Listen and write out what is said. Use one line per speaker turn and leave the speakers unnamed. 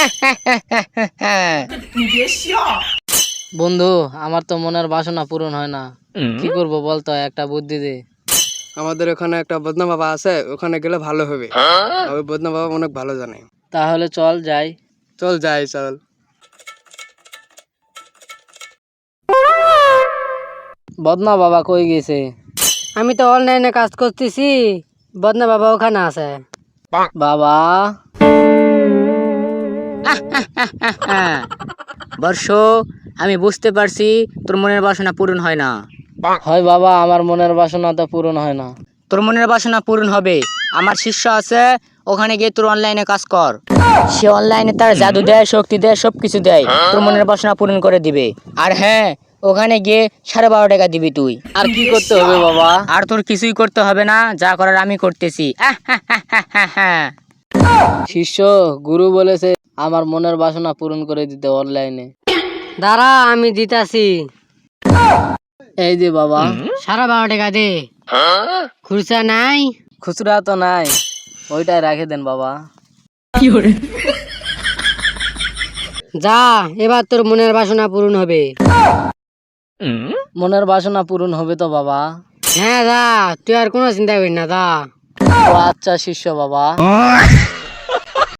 বন্ধু, আমার তো মনের বাসনা পূরণ হয় না, কি করব বলতো, একটা বুদ্ধি দে।
আমাদের ওখানে একটা বদনা বাবা আছে, ওখানে গেলে ভালো হবে। ওই বদনা বাবা অনেক ভালো জানে।
তাহলে চল যাই।
চল যাই, চল।
বদনা বাবা কই গেছে?
আমি তো অনলাইনে কাজ করতেছি, বদনা বাবা ওখানে আছে।
বাবা,
বর্ষ, আমি বুঝতে পারছি তোর মনের বাসনা পূরণ হয় না।
হয় বাবা, আমার মনের বাসনা তো পূরণ হয় না।
তোর মনের বাসনা পূরণ হবে। আমার শিষ্য আছে, ওখানে গিয়ে তোর অনলাইনে কাজ কর। সে অনলাইনে তার জাদু দেয়, শক্তি দেয়, সবকিছু দেয়, তোর মনের বাসনা পূরণ করে দিবে। আর হ্যাঁ, ওখানে গিয়ে 12.5 টাকা দিবি তুই।
আর কি করতে হবে বাবা?
আর তোর কিছুই করতে হবে না, যা করার আমি করতেছি।
শিষ্য, গুরু বলেছে আমার মনের বাসনা পূরণ করে দিতে অনলাইনে।
দাঁড়া, আমি দিতাছি।
এই যে বাবা।
12.5 টাকা দে। খুরসা নাই?
খুচরা তো নাই, ওইটাই রেখে দেন বাবা।
যা, এবার তোর মনের বাসনা পূরণ হবে।
মনের বাসনা পূরণ হবে তো বাবা?
হ্যাঁ যা, তুই আর কোনো চিন্তা করিস না, যা।
ও আচ্ছা শিষ্য বাবা।